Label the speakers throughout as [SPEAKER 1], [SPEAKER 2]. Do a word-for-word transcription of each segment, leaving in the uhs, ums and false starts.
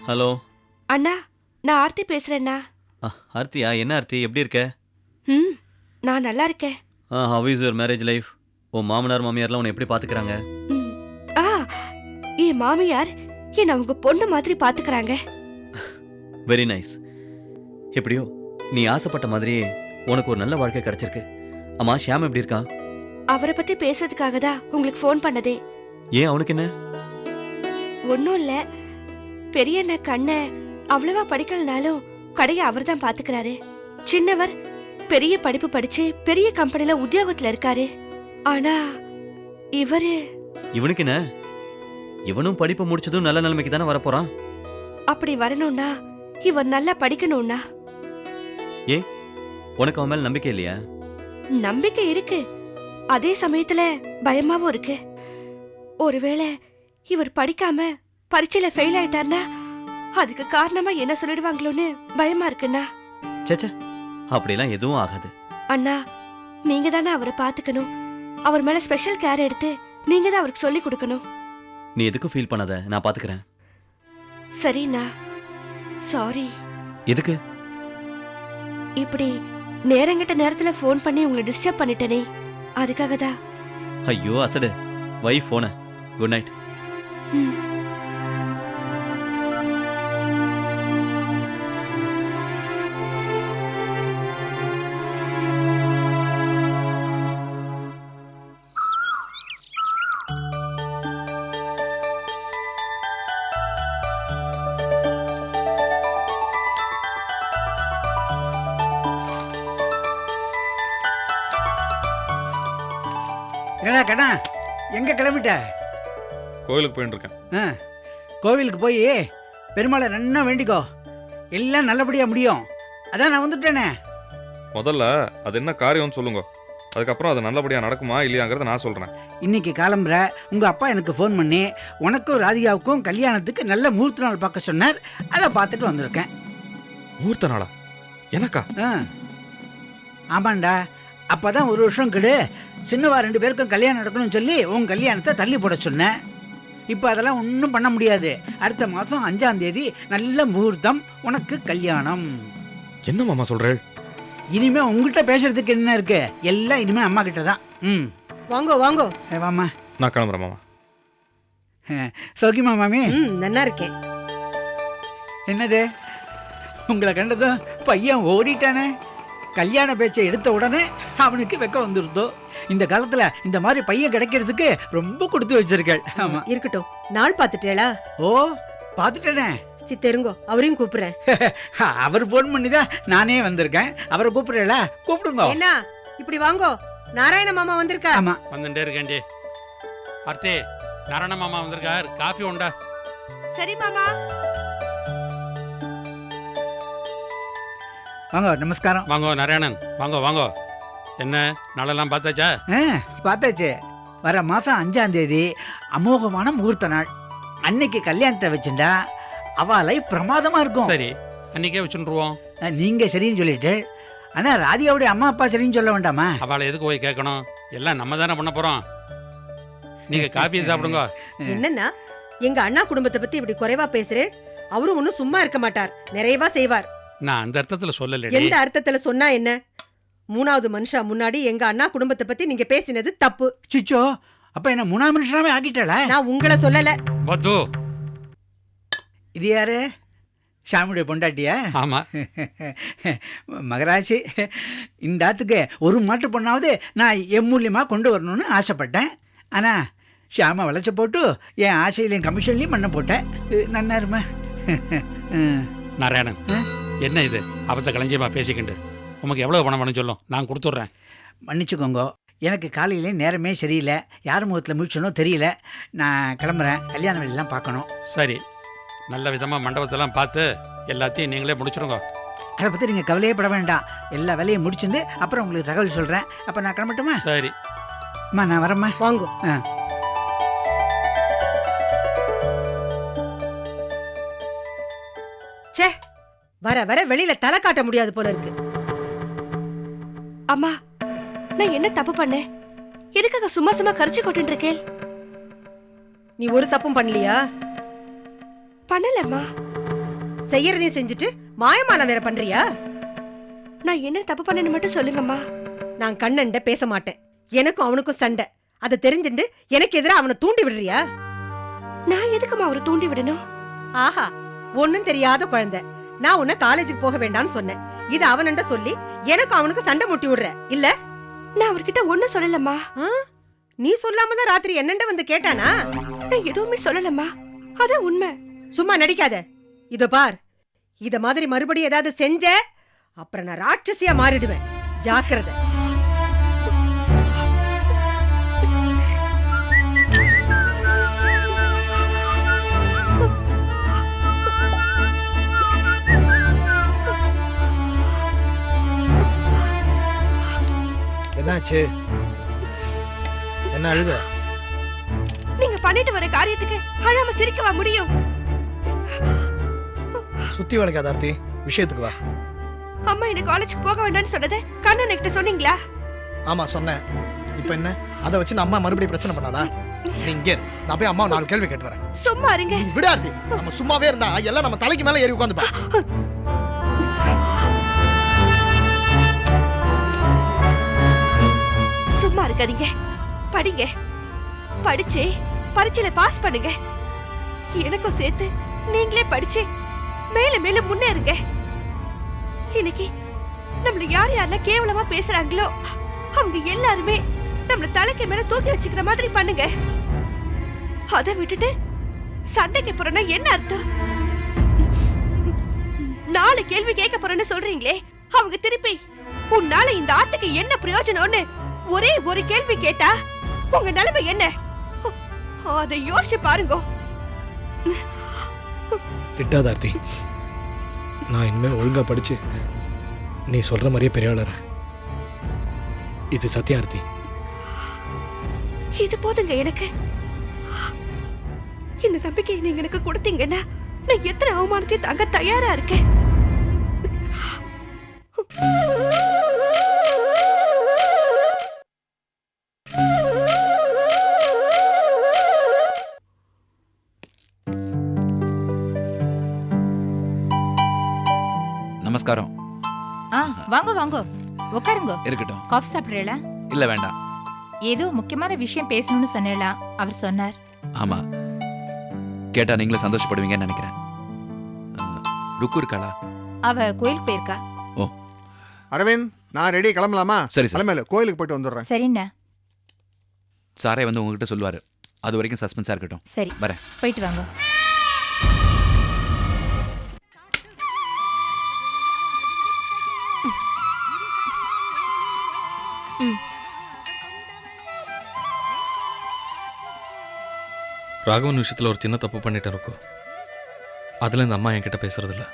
[SPEAKER 1] Hello
[SPEAKER 2] அண்ணா, நான் ஆர்த்தி பேசுறேண்ணா.
[SPEAKER 1] ஆர்த்தியா? என்ன ஆர்த்தி, எப்படி இருக்க?
[SPEAKER 2] ம் நான் நல்லா இருக்கேன்.
[SPEAKER 1] Ah how is your marriage life? உன் மாமனார் மாமியார்லாம் உன்னை எப்படி பார்த்துக்கிறாங்க?
[SPEAKER 2] ம் ஆ என் மாமியார் என்ன அவங்க பொண்ணு மாதிரி பார்த்துக்கிறாங்க.
[SPEAKER 1] Very nice. எப்படியோ நீ ஆசைப்பட்ட மாதிரியே உனக்கு ஒரு நல்ல வாழ்க்கை கிடைச்சிருக்கு. அம்மா, ஷியாம் எப்படி இருக்கான்?
[SPEAKER 2] அவரை பத்தி பேசுறதுக்காக தான் உங்களுக்கு ஃபோன் பண்ணதே.
[SPEAKER 1] ஏன், அவனுக்கு என்ன?
[SPEAKER 2] ஒன்றும் இல்லை, பெரிய அண்ணன் கண்ணை அவ்வளவா படிக்கலனாலும் கடையை அவர் தான் பார்த்துக்கிறாரு. சின்னவர் பெரிய படிப்பு படிச்சு பெரிய கம்பெனில உத்தியோகத்துல இருக்காரு. ஆனா இவரு
[SPEAKER 1] இவனுக்கு என்ன? இவனும் படிப்பு முடிச்சதும் நல்ல நிலைமைக்கு தானே வரப்போறான்.
[SPEAKER 2] அப்படி வரணும்னா இவர் நல்லா படிக்கணும்னா.
[SPEAKER 1] ஏ, உனக்கு அவன் மேல நம்பிக்கை இல்லையா?
[SPEAKER 2] நம்பிக்கை இருக்கு, அதே சமயத்துல பயமாவும் இருக்கு. ஒருவேளை இவர் படிக்காம பரீட்சையில ஃபெயில் ஆயிட்டார்னா அதுக்கு காரணமா என்ன சொல்லிடுவாங்களோன்னு பயமா இருக்குண்ணா.
[SPEAKER 1] சேச்சே, அப்படிலாம் எதுவும் ஆகாது.
[SPEAKER 2] அண்ணா, நீங்க தானே அவரை பாத்துக்கணும். அவர் மேல ஸ்பெஷல் கேர் எடுத்து நீங்க தான் அவருக்கு சொல்லி கொடுக்கணும்.
[SPEAKER 1] நீ எதுக்கும் ஃபீல் பண்ணாத, நான் பாத்துக்கிறேன்.
[SPEAKER 2] சரிண்ணா, சாரி.
[SPEAKER 1] எதுக்கு?
[SPEAKER 2] இப்படி நேரங்கிட்ட நேரத்துல ஃபோன் பண்ணி உங்களை டிஸ்டர்ப் பண்ணிட்டேனே, அதுக்காக தான்.
[SPEAKER 1] ஐயோ அசடு, வை போன. Good night.
[SPEAKER 2] ம்
[SPEAKER 3] என்னடா கண்ணா, எங்கே கிளம்பிட்ட?
[SPEAKER 4] கோவிலுக்கு போயிட்டு இருக்கேன்.
[SPEAKER 3] ஆ, கோவிலுக்கு போய் பெருமாளை நன்னா வேண்டிக்கோ, எல்லாம் நல்லபடியாக முடியும். அதான் நான் வந்துட்டேனே.
[SPEAKER 4] முதல்ல அது என்ன காரியம்னு சொல்லுங்க, அதுக்கப்புறம் அது நல்லபடியாக நடக்குமா இல்லையாங்கிறத நான் சொல்கிறேன்.
[SPEAKER 3] இன்னைக்கு காலம்புற உங்கள் அப்பா எனக்கு ஃபோன் பண்ணி உனக்கும் ராதிகாவுக்கும் கல்யாணத்துக்கு நல்ல முகூர்த்த நாள் பார்க்க சொன்னார். அதை பார்த்துட்டு வந்திருக்கேன்.
[SPEAKER 4] முகூர்த்த நாளா? எனக்கா?
[SPEAKER 3] ஆ ஆமாண்டா, அப்போ தான் ஒரு வருஷம் கெடு சின்னவா ரெண்டு பேருக்கும் கல்யாணம் நடக்கணும்னு சொல்லி உன் கல்யாணத்தை தள்ளி போட சொன்னேன். இப்போ அதெல்லாம் ஒன்றும் பண்ண முடியாது. அடுத்த மாதம் அஞ்சாம் தேதி நல்ல முகூர்த்தம், உனக்கு கல்யாணம்.
[SPEAKER 4] என்ன மாமா சொல்கிறேன்?
[SPEAKER 3] இனிமே உங்ககிட்ட பேசுறதுக்கு என்ன இருக்கு? எல்லாம் இனிமே அம்மா கிட்ட தான். ம்
[SPEAKER 5] வாங்கோ வாங்கோ.
[SPEAKER 3] ஏ, வாம்மா.
[SPEAKER 4] நான் கிளம்புறேன் மாமா.
[SPEAKER 3] சௌக்கியமா மாமி?
[SPEAKER 5] ம் நல்லா இருக்கேன்.
[SPEAKER 3] என்னது, உங்களை கண்டதும் பையன் ஓடிட்டானே. கல்யாண பேச்சை எடுத்த உடனே அவனுக்கு வெக்க வந்துருதோ. இந்த காலத்துல இந்த மாதிரி பையன் கிடைக்கிறதுக்கு ரொம்ப கொடுத்து வச்சிருக்கேள். ஆமா,
[SPEAKER 5] இருக்கட்டும். நாள் பாத்துட்டேளா?
[SPEAKER 3] ஓ பாத்துட்டேனே.
[SPEAKER 5] சித்தருங்கோ, அவரையும் கூப்பிடுறேன்.
[SPEAKER 3] அவர் போன் பண்ணிதான் நானே வந்திருக்கேன். அவரை கூப்பிடுறா? கூப்பிடுங்க.
[SPEAKER 5] என்ன இப்படி வாங்கோ, நாராயண மாமா வந்திருக்கா.
[SPEAKER 3] ஆமா,
[SPEAKER 6] வந்துட்டே இருக்கேன்டி. ஆர்த்தி, நாராயண மாமா வந்திருக்கார், காஃபி உண்டா?
[SPEAKER 2] சரி மாமா.
[SPEAKER 3] வாங்க, நமஸ்காரம்.
[SPEAKER 6] வாங்கோ நாராயணன், வாங்கோ வாங்கோ. என்ன நாளெல்லாம் பார்த்தாச்சா?
[SPEAKER 3] ஆ பார்த்தாச்சு. வர மாசம் அஞ்சாம் தேதி அமோகமான முகூர்த்த நாள். அன்னைக்கு கல்யாணத்தை வச்சுட்டா அவ லைஃப் பிரமாதமா இருக்கும்.
[SPEAKER 6] சரி, அன்னைக்கே வச்சுருவோம்.
[SPEAKER 3] நீங்க சரின்னு சொல்லிட்டு, ஆனா ராதிகாவுடைய அம்மா அப்பா சரின்னு சொல்ல வேண்டாமா?
[SPEAKER 6] அவளை எதுக்கு போய் கேட்கணும்? எல்லாம் நம்ம தானே பண்ண போறோம். நீங்க காஃபியை சாப்பிடுங்க.
[SPEAKER 5] என்னன்னா எங்க அண்ணா குடும்பத்தை பத்தி இப்படி குறைவா பேசுறேன். அவரும் ஒன்னும் சும்மா இருக்க மாட்டார், நிறைவா செய்வார்.
[SPEAKER 6] நான் அந்த அர்த்தத்துல சொல்லல.
[SPEAKER 5] எந்த அர்த்தத்துல சொன்னா என்ன? மூணாவது மனுஷா முன்னாடி எங்க அண்ணா குடும்பத்தை பத்தி நீங்க பேசினது தப்பு.
[SPEAKER 3] சிச்சோ, அப்ப என்ன மூணாவது மனுஷனாவே ஆக்கிட்டாளா?
[SPEAKER 5] நான் உங்களை சொல்லல.
[SPEAKER 6] பத்து.
[SPEAKER 3] இது யாரு? ஷாமுடைய பொண்டாட்டியா?
[SPEAKER 6] ஆமா.
[SPEAKER 3] மகராசி, இந்த ஆத்துக்கு ஒரு மாட்டு பொண்ணாவது நான் என் மூலியமா கொண்டு வரணும்னு ஆசைப்பட்டேன். ஆனா ஷாம வளைச்ச போட்டு என் ஆசையிலையும் கமிஷன்லையும் பண்ண போட்டேன். நன்னாருமா?
[SPEAKER 6] நாராயணன், என்ன இது அபத்த களஞ்சியமா பேசிக்கிண்டு? உமக்கு எவ்வளவு பணம் வேணும் சொல்லும், நான் கொடுத்துட்றேன்.
[SPEAKER 3] மன்னிச்சுக்கோங்க, எனக்கு காலையிலே நேரமே சரியில்லை. யார் முகத்தில் முடிச்சனோ தெரியல. நான் கிளம்புறேன், கல்யாண வேலையெல்லாம் பார்க்கணும்.
[SPEAKER 6] சரி, நல்ல விதமாக மண்டபத்தெல்லாம் பார்த்து எல்லாத்தையும் நீங்களே முடிச்சிருங்க.
[SPEAKER 3] அதை பற்றி நீங்கள் கவலையே பட வேண்டாம். எல்லா வேலையும் முடிச்சுட்டு அப்புறம் உங்களுக்கு தகவல் சொல்கிறேன். அப்போ நான் கிளம்பட்டுமா?
[SPEAKER 6] சரி
[SPEAKER 3] அம்மா, நான் வரேம்மா.
[SPEAKER 5] வாங்கோ.
[SPEAKER 3] ஆ
[SPEAKER 5] சே, வர வர வெளியில தலை காட்ட முடியாது போல இருக்கு.
[SPEAKER 2] அம்மா, நான் என்ன தப்பு பண்ணேன்? எதுக்காக சும்மா சும்மா கரிச்சு கொட்டு இருக்கேன்?
[SPEAKER 5] நீ ஒரு தப்பும் பண்ணலையா?
[SPEAKER 2] பண்ணலம்மா.
[SPEAKER 5] செய்யறதையும் செஞ்சுட்டு மாயமாலம் வேற பண்றியா?
[SPEAKER 2] நான் என்ன தப்பு பண்ணேன்னு மட்டும் சொல்லுங்கம்மா.
[SPEAKER 5] நான் கண்ணன்ட பேச மாட்டேன். எனக்கும் அவனுக்கும் சண்டை. அதை தெரிஞ்சுட்டு எனக்கு எதிராக அவனை தூண்டி விடுறியா?
[SPEAKER 2] நான் எதுக்குமா அவரை தூண்டி விடணும்?
[SPEAKER 5] ஆஹா, ஒண்ணும் தெரியாத குழந்தை. நான் உன்னை காலேஜுக்கு போக வேண்டாம்னு சொன்னேன். இது அவனண்ட சொல்லி எனக்கும் அவனுக்கு சண்டை முட்டி விடுற இல்ல?
[SPEAKER 2] நான் அவர்கிட்ட ஒண்ணும் சொல்லலம்மா.
[SPEAKER 5] நீ சொல்லாம தான் ராத்திரி என்னண்ட வந்து கேட்டானா?
[SPEAKER 2] நான் எதுவுமே சொல்லலம்மா, அதான் உண்மை.
[SPEAKER 5] சும்மா நடிக்காத. இதோ பார், இத மாதிரி மறுபடியும் ஏதாவது செஞ்ச அப்புறம் நான் ராட்சசியா மாறிடுவேன். ஜாக்கிரதை.
[SPEAKER 7] என்னாச்சு? என்ன அழுவ?
[SPEAKER 2] நீங்க பண்ணிட்டு வர காரியத்துக்கு அழாம சிரிக்கவா முடியும்?
[SPEAKER 7] சுத்தி வளைக்காத ஆர்த்தி, விஷயத்துக்கு வா.
[SPEAKER 2] அம்மா என்ன காலேஜுக்கு போக வேண்டாம்னு சொன்னதை கண்ணன் கிட்ட சொன்னீங்களா?
[SPEAKER 7] ஆமா சொன்னேன். இப்போ என்ன அதை வச்சு நான் அம்மா மறுபடியும் பிரச்சனை பண்ணாளா? நீ இங்கே இரு. நான் போய் அம்மா நாலு கேள்வி கேட்டு வரேன்.
[SPEAKER 2] சும்மா இருங்க.
[SPEAKER 7] நீ விடு ஆர்த்தி. நம்ம சும்மாவே இருந்தா எல்லாம் நம்ம தலைக்கு மேல ஏறி உட்காந்துப்பா.
[SPEAKER 2] சும்மா இருக்காதீங்க, படிங்க. படிச்சு பரீட்சையில பாஸ் பண்ணுங்க. எனக்கும் சேர்த்து நீங்களே படிச்சு மேல மேல முன்னேறுங்க. இன்னைக்கு நம்மள யார் யாரெல்லாம் கேவலமா பேசுறாங்களோ அவங்க எல்லாருமே நம்மள தலைக்கு மேல தூக்கி வச்சுக்கிற மாதிரி பண்ணுங்க. அதை விட்டுட்டு சண்டைக்கு போறேன்னா என்ன அர்த்தம்? நாலு கேள்வி கேட்க போறேன்னு சொல்றீங்களே, அவங்க திருப்பி உன்னால இந்த ஆட்டுக்கு என்ன பிரயோஜனம்னு ஒரே ஒரு கேள்வி கேட்டா உங்க நிலைமை என்ன? அதை யோசிச்சு பாருங்க.
[SPEAKER 7] திட்டாத ஆர்த்தி. நான் இனிமேல் ஒழுங்கா படிச்சு நீ சொல்ற மாதிரியே பெரிய ஆளற. இது சத்தியம் ஆர்த்தி.
[SPEAKER 2] இது போதுங்க எனக்கு. இந்த நம்பிக்கையை நீங்க எனக்கு கொடுத்தீங்கன்னா நான் எத்தனை அவமானத்தையும் தாங்க தயாரா இருக்கேன்.
[SPEAKER 8] நமஸ்காரம்.
[SPEAKER 9] ஆ வாங்க வாங்க உட்காருங்க.
[SPEAKER 8] இருக்கட்டும்.
[SPEAKER 9] காஃபி சாப்பிடுறீங்களா?
[SPEAKER 8] இல்ல வேண்டாம்.
[SPEAKER 9] ஏதோ முக்கியமான விஷயம் பேசணும்னு சொன்னேளா, அவர் சொன்னார்.
[SPEAKER 8] ஆமா, கேட்டா நீங்களும் சந்தோஷப்படுவீங்கன்னு நினைக்கிறேன். அஹ், ருக்கு இருக்காளா?
[SPEAKER 9] அவ கோயிலுக்கு போயிருக்கா.
[SPEAKER 8] ஓ
[SPEAKER 10] அரவிந்த், நான் ரெடி, கிளம்பலாமா?
[SPEAKER 8] சரி சார்.
[SPEAKER 10] கிளம்பல, கோயிலுக்கு போயிட்டு வந்துடுறேன்.
[SPEAKER 9] சரிண்ணா.
[SPEAKER 8] சாரே வந்து உங்ககிட்ட சொல்லுவாரு. அது வரைக்கும் சஸ்பென்ஸா இருக்கட்டும்.
[SPEAKER 9] சரி
[SPEAKER 8] வரேன்.
[SPEAKER 9] போயிட்டு வாங்க.
[SPEAKER 4] ராகவன் விஷயத்தில் ஒரு சின்ன தப்பு பண்ணிட்டேன் இருக்கும். அதில் இந்த அம்மா என்கிட்ட பேசுறதில்ல.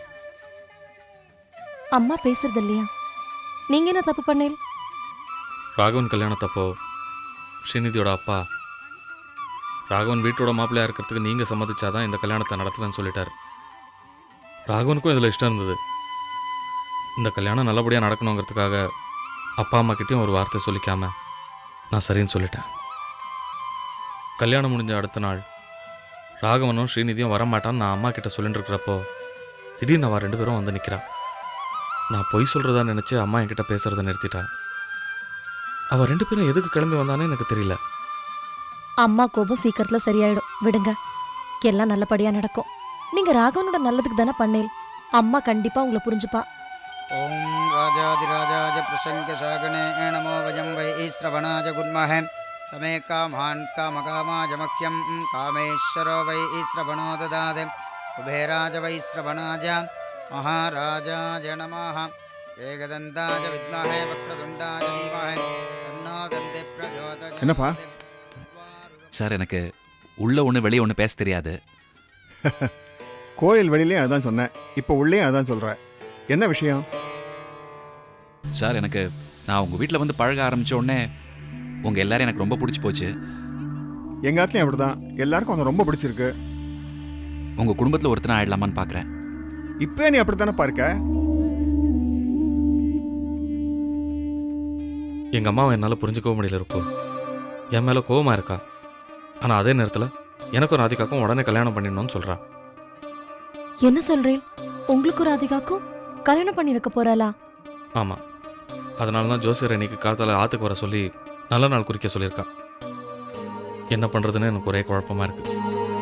[SPEAKER 11] அம்மா பேசுறது இல்லையா? நீங்க என்ன தப்பு பண்ணீங்க?
[SPEAKER 4] ராகவன் கல்யாணத்தப்போ ஸ்ரீநிதியோட அப்பா ராகவன் வீட்டோட மாப்பிள்ளையா இருக்கிறதுக்கு நீங்கள் சம்மதிச்சாதான் இந்த கல்யாணத்தை நடத்துவேன்னு சொல்லிட்டார். ராகவனுக்கும் இதில் இஷ்டம் இருந்தது. இந்த கல்யாணம் நல்லபடியாக நடக்கணுங்கிறதுக்காக அப்பா அம்மா கிட்டேயும் ஒரு வார்த்தை சொல்லிக்காம நான் சரின்னு சொல்லிட்டேன். கல்யாணம் முடிஞ்ச அடுத்த நாள் ராகவனும் ஸ்ரீநிதியும் வரமாட்டான்னு நான் அம்மா கிட்ட சொல்லிட்டு இருக்கிறப்போ திடீர்னு அவன் ரெண்டு பேரும் வந்து நிற்கிறா. நான் பொய் சொல்கிறதா நினச்சி அம்மா என்கிட்ட பேசுகிறத நிறுத்திட்டா. அவள் ரெண்டு பேரும் எதுக்கு கிளம்பி வந்தானே எனக்கு தெரியல.
[SPEAKER 11] அம்மா கோபம் சீக்கிரத்துல சரியாயிடும், விடுங்க. எல்லாம் நல்லபடியா நடக்கும். நீங்க ராகவனோட நல்லதுக்கு தானே பண்ணேல். அம்மா கண்டிப்பா உங்களை புரிஞ்சுப்பா.
[SPEAKER 12] ஓம் ராஜாதிராஜாஜ பிரசங்க சாகனே நமோ வயம் வை ஸ்ரவணாஜ குர்மஹே சமே காமான் காமகாமாஜ மக்யம் காமேஸ்வரோ வை ஸ்ரவணோ ததாதே குபேராஜ வை ஸ்ரவணாஜ மகாராஜாஜ நமஹ ஏகதந்தாஜ வித்மஹே வக்ரதுண்டாஜ தீமஹே தன்னோ தந்தி பிரச்சோதயாத்.
[SPEAKER 10] என்னப்பா?
[SPEAKER 8] சார், எனக்கு உள்ள ஒன்று வெளியே ஒன்று பேச தெரியாது.
[SPEAKER 10] கோயில் வெளியிலே அதான் சொன்னேன், இப்போ உள்ளே அதான் சொல்கிறேன். என்ன விஷயம்?
[SPEAKER 8] சார், எனக்கு நான் உங்கள் வீட்டில் வந்து பழக ஆரம்பித்த உடனே உங்கள் எல்லாரும் எனக்கு ரொம்ப பிடிச்சி போச்சு.
[SPEAKER 10] எங்கள் ஆத்துலையும் அப்படி தான், எல்லாருக்கும் அவனை ரொம்ப பிடிச்சிருக்கு.
[SPEAKER 8] உங்கள் குடும்பத்தில் ஒருத்தனை ஆயிடலாமான்னு பார்க்குறேன்.
[SPEAKER 10] இப்போ நீ அப்படி தானே பார்க்க?
[SPEAKER 4] எங்கள் அம்மாவை என்னால் புரிஞ்சுக்கவும் முடியல இருக்கும். என் மேலே கோவமாக இருக்கா. ஆனால் அதே நேரத்தில் எனக்கும் ராதிகாக்கும் உடனே கல்யாணம் பண்ணிடணும்னு சொல்கிறா.
[SPEAKER 11] என்ன சொல்றேன்? உங்களுக்கும் ராதிகாக்கும் கல்யாணம் பண்ணி வைக்க போறாளா?
[SPEAKER 4] ஆமாம், அதனால தான் ஜோசியர் இன்னைக்கு காத்தால ஆற்றுக்கு வர சொல்லி நல்ல நாள் குறிக்க சொல்லியிருக்கா. என்ன பண்ணுறதுன்னு எனக்கு ஒரே குழப்பமாக இருக்கு.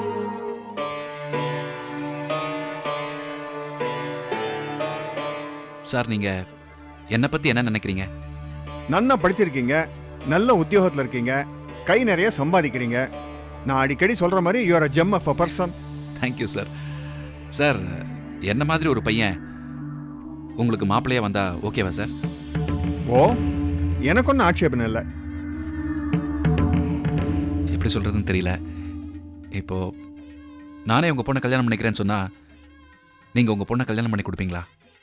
[SPEAKER 8] சார் நீங்கள் என்னை பற்றி என்ன நினைக்கிறீங்க?
[SPEAKER 10] நன்னா படிச்சிருக்கீங்க, நல்ல உத்தியோகத்தில் இருக்கீங்க, கை நிறைய சம்பாதிக்கிறீங்க. நான் அடிக்கடி சொல்கிற மாதிரி you are a gem of a person.
[SPEAKER 8] Thank you sir. Sir, என்ன மாதிரி ஒரு பையன் உங்களுக்கு மாப்பிள்ளையா வந்தா ஓகேவா சார்?
[SPEAKER 10] ஓ, எனக்கு ஒன்றும் ஆட்சேபனை இல்லை.
[SPEAKER 8] எப்படி சொல்கிறதுன்னு தெரியல. இப்போது நானே உங்கள் பொண்ணை கல்யாணம் பண்ணிக்கிறேன்னு சொன்னால் நீங்கள் உங்கள் பொண்ணை கல்யாணம் பண்ணி கொடுப்பீங்களா?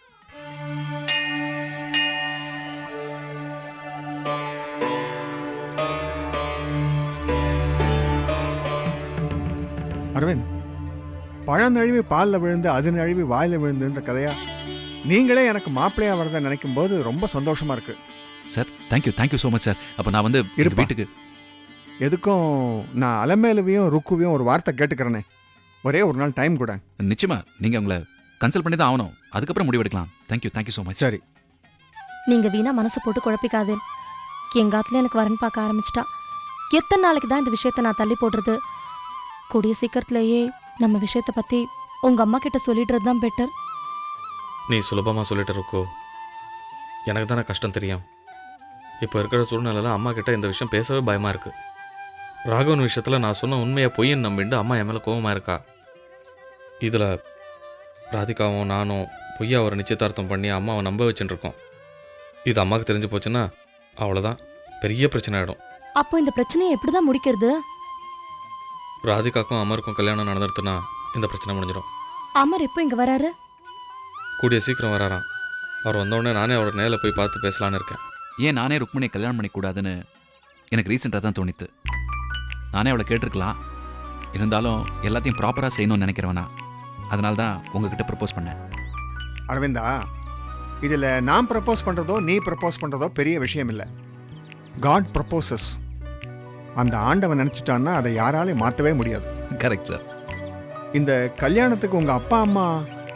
[SPEAKER 10] அரவிந்த், பழம் நழுவி பாலில் விழுந்து அது நழுவி வாயில் விழுந்துன்ற கதையா நீங்களே எனக்கு மாப்பிள்ளையா வரதை நினைக்கும் போது ரொம்ப சந்தோஷமா இருக்கு.
[SPEAKER 8] Sir, thank you thank you so much sir. அப்போ நான் வந்து
[SPEAKER 10] இருப்பா.
[SPEAKER 8] வீட்டுக்கு
[SPEAKER 10] எதுக்கும் நான் அலமேலுவையும் ருக்குவையும் ஒரு வார்த்தை கேட்டுக்கிறேனே, ஒரே ஒரு நாள் டைம் கூட.
[SPEAKER 8] நிச்சயமா நீங்கள் உங்களை கன்சல்ட் பண்ணி தான் ஆகணும். அதுக்கப்புறம் முடிவெடுக்கலாம். Thank you thank you so much.
[SPEAKER 10] சரி,
[SPEAKER 11] நீங்க வீணா மனசை போட்டு குழப்பிக்காதே. எங்க ஆத்துல எனக்கு வரன் பார்க்க ஆரம்பிச்சிட்டா. எத்தனை நாளைக்கு தான் இந்த விஷயத்த நான் தள்ளி போடுறது? கூடிய சீக்கிரத்திலேயே நம்ம விஷயத்தை பத்தி உங்க அம்மா கிட்ட சொல்லிடுறது தான் பெட்டர்.
[SPEAKER 4] நீ சுலபமாக சொல்லிட்டு இருக்கோ, எனக்கு தானே கஷ்டம் தெரியும். இப்போ இருக்கிற சூழ்நிலையில் அம்மா கிட்ட இந்த விஷயம் பேசவே பயமாக இருக்குது. ராகவன் விஷயத்தில் நான் சொன்ன உண்மையை பொய்ன்னு நம்பிட்டு அம்மா என் மேலே கோபமாக இருக்கா. இதில் ராதிகாவும் நானும் பொய்யா ஒரு நிச்சயதார்த்தம் பண்ணி அம்மாவை நம்ப வச்சுட்டு இருக்கோம். இது அம்மாவுக்கு தெரிஞ்சு போச்சுன்னா அவ்வளோதான், பெரிய பிரச்சனை ஆகிடும்.
[SPEAKER 11] அப்போ இந்த பிரச்சனையை எப்படிதான் முடிக்கிறது?
[SPEAKER 4] ராதிகாக்கும் அமருக்கும் கல்யாணம் நடந்துருத்துனா இந்த பிரச்சனை முடிஞ்சிடும்.
[SPEAKER 11] அமர் எப்போ இங்க வராரு?
[SPEAKER 4] கூடிய சீக்கிரம் வராராம். அவர் வந்தோடனே நானே அவரை நேரில் போய் பார்த்து பேசலான்னு இருக்கேன்.
[SPEAKER 8] ஏன் நானே ருக்மணியை கல்யாணம் பண்ணிக்கூடாதுன்னு எனக்கு ரீசெண்டாக தான் தோணித்து. நானே அவளை கேட்டிருக்கலாம், இருந்தாலும் எல்லாத்தையும் ப்ராப்பராக செய்யணும்னு நினைக்கிறவனா, அதனால தான் உங்ககிட்ட ப்ரப்போஸ் பண்ணேன்.
[SPEAKER 10] அரவிந்தா, இதில் நான் ப்ரப்போஸ் பண்ணுறதோ நீ ப்ரப்போஸ் பண்ணுறதோ பெரிய விஷயம் இல்லை. God proposes. அந்த ஆண்டவன் நினச்சிட்டான்னா அதை யாராலையும் மாற்றவே முடியாது.
[SPEAKER 8] Correct sir.
[SPEAKER 10] இந்த கல்யாணத்துக்கு உங்கள் அப்பா அம்மா,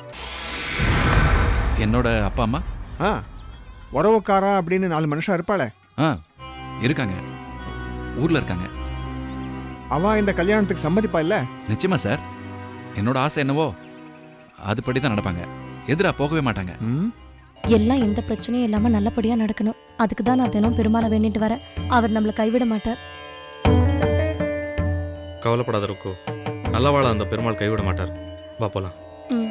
[SPEAKER 8] என்னோட அப்பா அம்மா,
[SPEAKER 10] ஆ உறவுக்காரா அப்படின்னு நாலு மனுஷன் இருப்பாளே,
[SPEAKER 8] ஆ இருக்காங்க, ஊரில் இருக்காங்க.
[SPEAKER 10] அவ இந்த கல்யாணத்துக்கு சம்மதிப்பா இல்லை?
[SPEAKER 8] நிச்சயமா சார். என்னோட ஆசை என்னவோ அதுபடி தான் நடப்பாங்க. எதிராக போகவே மாட்டாங்க.
[SPEAKER 10] ம்,
[SPEAKER 11] எல்லாம் எந்த பிரச்சனையும் இல்லாம நல்லபடியா நடக்கணும். அதுக்கு தான் நான் தினம் பெருமாளை வேண்டிட்டு வரேன். அவர் நம்மளை கைவிட மாட்டார்.
[SPEAKER 4] கவலைப்படாத இருக்கோ, நல்லவாழ அந்த பெருமாள் கைவிட மாட்டார். வா போலாம்.
[SPEAKER 11] ம்.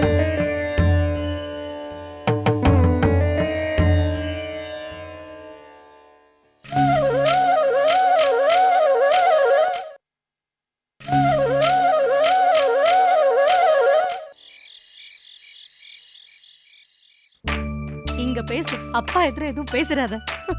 [SPEAKER 11] இங்க பேசு, அப்பா எதிர எதுவும் பேசுறாத.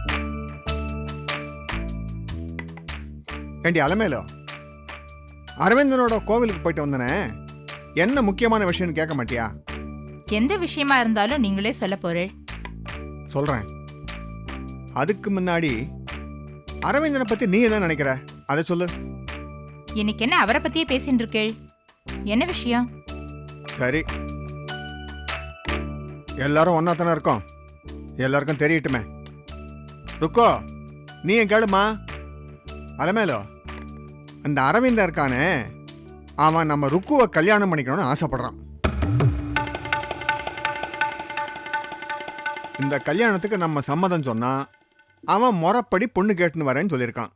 [SPEAKER 10] ஏண்டி அலமேலோ, அரவிந்தனோட கோவிலுக்கு போயிட்டு வந்தனே, என்ன முக்கியமான விஷயம்னு கேட்க மாட்டியா?
[SPEAKER 9] எந்த விஷயமா இருந்தாலும் நீங்களே சொல்ல போறேன்.
[SPEAKER 10] சொல்றேன். அதுக்கு முன்னாடி அரவிந்தனை பத்தி நீ என்ன நினைக்கிற அதை சொல்லு.
[SPEAKER 9] இன்னைக்கு என்ன அவரை பத்தியே பேசிட்டு இருக்கேள்? என்ன விஷயம்?
[SPEAKER 10] சரி, எல்லாரும் ஒன்னா தானே இருக்கோம், எல்லாருக்கும் தெரியட்டுமே. ருக்கோ, நீ என் கேளுமா. அலமேலோ, அந்த அரவிந்தன் இருக்கானே, அவன் நம்ம ருக்குவை கல்யாணம் பண்ணிக்கணும்னு ஆசைப்படுறான். இந்த கல்யாணத்துக்கு நம்ம சம்மதம் சொன்னா அவன் முறைப்படி பொண்ணு கேட்டுன்னு வரேன்னு சொல்லியிருக்கான்.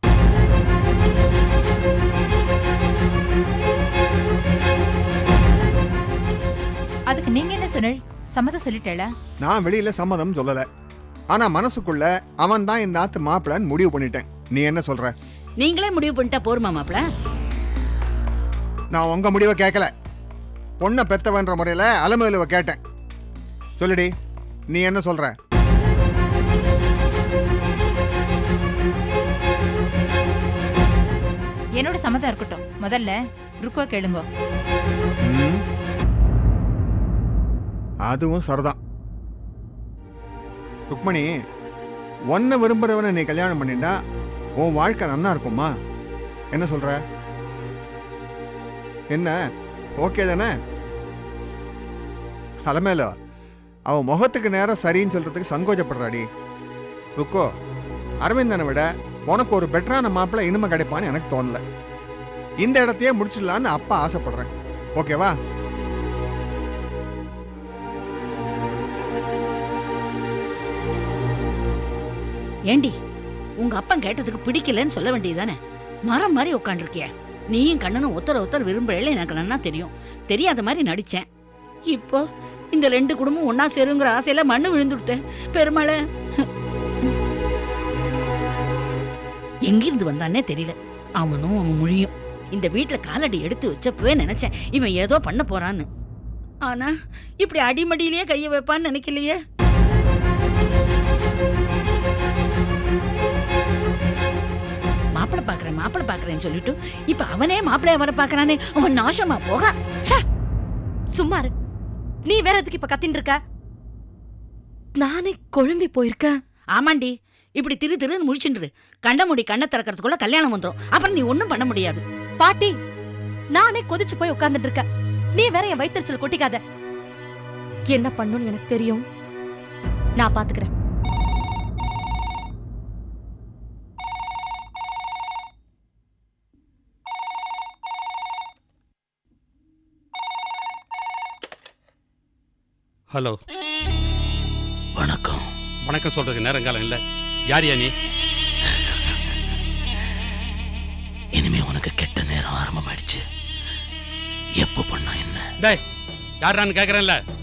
[SPEAKER 9] அதுக்கு நீங்க என்ன சொன்ன? சம்மதம் சொல்லிட்டேளா?
[SPEAKER 10] நான் வெளியில சம்மதம் சொல்லல, ஆனா மனசுக்குள்ள அவன் தான் இந்த ஆத்து மாப்பிள்ளன்னு முடிவு பண்ணிட்டேன். நீ என்ன சொல்ற?
[SPEAKER 13] நீங்களே முடிவு பண்ணிட்டா போருமா மாப்பிள?
[SPEAKER 10] நான் உங்க முடிவை கேட்கல, பொண்ணை பெத்தவன்ற முறையில அலமேலுவை கேட்டேன். சொல்லுடி, நீ என்ன சொல்ற?
[SPEAKER 9] என்னோட சம்மதம் இருக்கட்டும், முதல்ல ருக்கோ கேளுங்க.
[SPEAKER 10] ம், அதுவும் சரிதான். ருக்மணி, ஒன்ன விரும்புறவனை நீ கல்யாணம் பண்ணிட்டா உன் வாழ்க்கை நன்னா இருக்குமா? என்ன சொல்ற? என்ன, ஓகே தானே? அலமேலோ அவன் முகத்துக்கு நேரம் சரின்னு சொல்றதுக்கு சங்கோஜப்படுறாடி. ருக்கோ, அரவிந்தனை விட உனக்கு ஒரு பெட்டரான மாப்பிள்ளை இனிமே கிடைப்பான்னு எனக்கு தோணல. இந்த இடத்தையே முடிச்சிடலான்னு அப்பா ஆசைப்படுறேன். ஓகேவா?
[SPEAKER 13] ஏண்டி உங்க அப்பன் கேட்டதுக்கு பிடிக்கலன்னு சொல்ல வேண்டியதுதானே? மரம் மாதிரி உட்காந்துருக்கிய. நீயும் கண்ணனும் ஒருத்தர ஒருத்தர் விரும்புறேல எனக்கு நன்னா தெரியும். தெரியாத மாதிரி நடிச்சேன். இப்போ இந்த ரெண்டு குடும்பம் ஒன்னா சேருங்கிற ஆசையில மண்ணு விழுந்துடுத்தேன். பெருமாளை எங்கிருந்து வந்தானே தெரியல. அவனும் அவன் மொழியும் இந்த வீட்டுல காலடி எடுத்து வச்சப்பவே நினைச்சேன் இவன் ஏதோ பண்ண போறான்னு. ஆனா இப்படி அடிமடியிலேயே கைய வைப்பான்னு நினைக்கலையே. மாப்பிளை பாக்குறேன் மாப்பிளை பாக்குறேன்னு சொல்லிட்டு இப்ப அவனே மாப்பிளைய வர பாக்குறானே. அவன் நாசமா போக.
[SPEAKER 11] சும்மா இரு. நீ வேற எதுக்கு இப்ப கத்தின்னு இருக்க? நானே குழம்பி போயிருக்கேன்.
[SPEAKER 13] ஆமாண்டி, இப்படி திரு திருன்னு முழிச்சுன்று கண்ண மூடி கண்ணை திறக்கிறதுக்குள்ள கல்யாணம் வந்துடும். அப்புறம் நீ ஒன்னும் பண்ண முடியாது.
[SPEAKER 11] பாட்டி, நானே கொதிச்சு போய் உட்கார்ந்துட்டு இருக்க. நீ வேற என் வயிற்றுச்சல் கொட்டிக்காத. என்ன பண்ணுன்னு எனக்கு தெரியும். நான் பாத்துக்கிறேன்.
[SPEAKER 6] ஹலோ.
[SPEAKER 12] வணக்கம்.
[SPEAKER 6] வணக்கம் சொல்றதுக்கு நேரங்காலம் இல்லை. யார் யா நீ?
[SPEAKER 12] இனிமே உனக்கு கெட்ட நேரம் ஆரம்பமாயிடுச்சு. எப்போ பண்ணா என்ன?
[SPEAKER 6] டேய், யாரான்னு கேட்குறேன்ல.